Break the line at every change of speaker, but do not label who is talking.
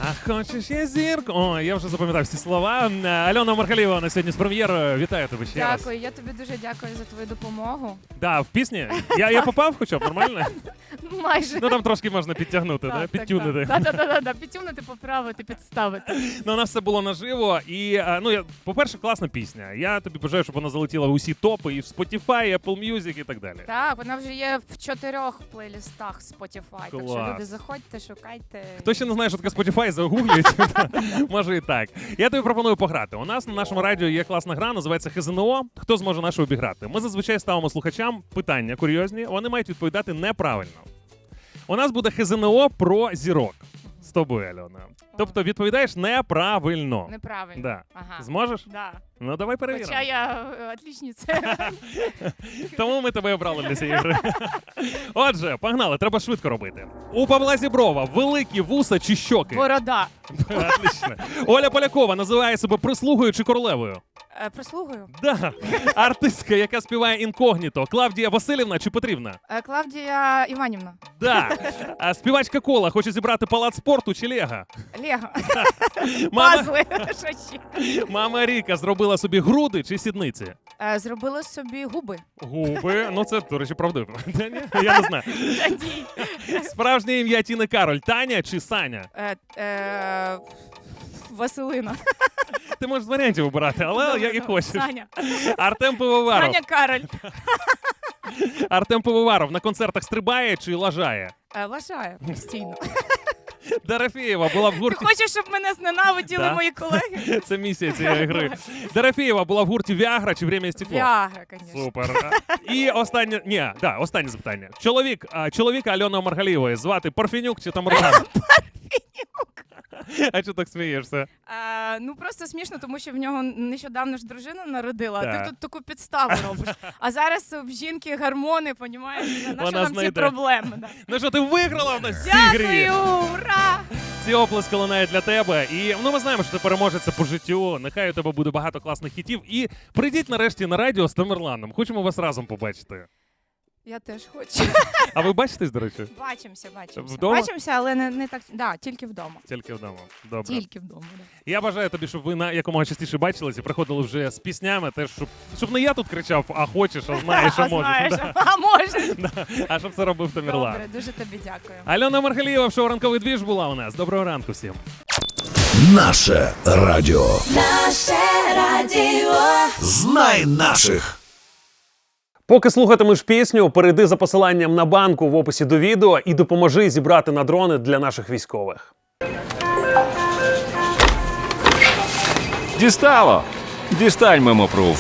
А хочеш я зірку? О, я вже запам'ятав всі слова. Альона Маргалієва на сьогодні з прем'єрою. Вітаю тебе ще раз.
Дякую, я тобі дуже дякую за твою допомогу.
Да, в пісні? Я попав хоча б, нормально?
Майже.
Ну там трошки можна підтягнути, да? Підтюнити.
Так, підтюнити, поправити, підставити.
Ну, у нас все було наживо. І, по-перше, класна пісня. Я тобі бажаю, щоб вона залетіла в усі топи, і в Spotify, і Apple Music і так далі.
Так, вона вже є в 4 плейлістах Spotify, так що люди заходьте, шукайте.
Хто ще не знає, що таке Spotify, загугліть. Може і так. Я тобі пропоную пограти. У нас на нашому радіо є класна гра, називається ХЗНО. Хто зможе нашу обіграти? Ми зазвичай ставимо слухачам питання курйозні, вони мають відповідати неправильно. У нас буде ХЗНО про зірок. З тобою, Альона. Тобто відповідаєш неправильно.
Неправильно.
Да.
Ага.
Зможеш?
Да.
Ну, давай перевіримо.
Хоча я отличниця.
Тому ми тебе обрали для цієї гри. Отже, погнали, треба швидко робити. У Павла Зіброва великі вуса чи щоки?
Борода.
Отлично. Оля Полякова називає себе прислугою чи королевою?
Прислугою.
Да. Артистка, яка співає інкогніто. Клавдія Василівна чи Петрівна?
Клавдія Іванівна.
Да. А співачка Кола хоче зібрати палац спорту чи Лего?
Лего.
Мама,
Пазли. Що ще?
мама Ріка зробила собі груди чи сідниці?
Зробила собі губи.
Губи. Ну це, до речі, правдиво. Я не знаю. Справжнє ім'я Тіни Кароль. Таня чи Саня?
Василина.
Ти можеш з варіантів обирати, але як і хочеш.
Саня.
Артем Пивоваров.
Саня Кароль.
Артем Пивоваров на концертах стрибає чи лажає?
Лажає постійно.
Дорофєєва була в
Ти
гурті...
хочеш, щоб мене зненавиділи
Да.
мої колеги?
Це місія цієї гри. Дорофєєва була в гурті Віагра чи Время і стекло?
Віагра, звісно.
Супер. І останнє запитання. Чоловіка Альони Маргалієвої звати Парфенюк чи Тамерлан? А чого так смієшся?
Ну просто смішно, тому що в нього нещодавно ж дружина народила, а
Так.
ти тут таку підставу робиш. А зараз в жінки гормони, понімаєш? На що нам ці
знайде.
проблеми? Да.
Ну що, ти виграла в нас в цій грі?
Дякую, ура!
Ці оплески лунають для тебе. І ми знаємо, що ти переможеця по життю. Нехай у тебе буде багато класних хітів. І прийдіть нарешті на радіо з Тамерланом. Хочемо вас разом побачити.
Я теж хочу.
А ви бачитесь, до речі?
Бачимося.
Вдома?
Бачимося, але не так. Да, тільки вдома.
Тільки вдома. Добре.
Тільки вдома. Да.
Я бажаю тобі, щоб ви на якомога частіше бачилися і приходили вже з піснями, теж, щоб не я тут кричав, а хочеш, а знаєш, а можеш.
Знаєш,
Да.
а може.
Да. А щоб це робив Тамерлан.
Добре, дуже тобі дякую.
Альона Маргалієва в шоу «Ранковий двіж» була у нас. Доброго ранку всім.
Наше радіо.
Наше радіо.
Знай наших.
Поки слухатимеш пісню, перейди за посиланням на банку в описі до відео і допоможи зібрати на дрони для наших військових.
Дістало! Дістань мемопруф.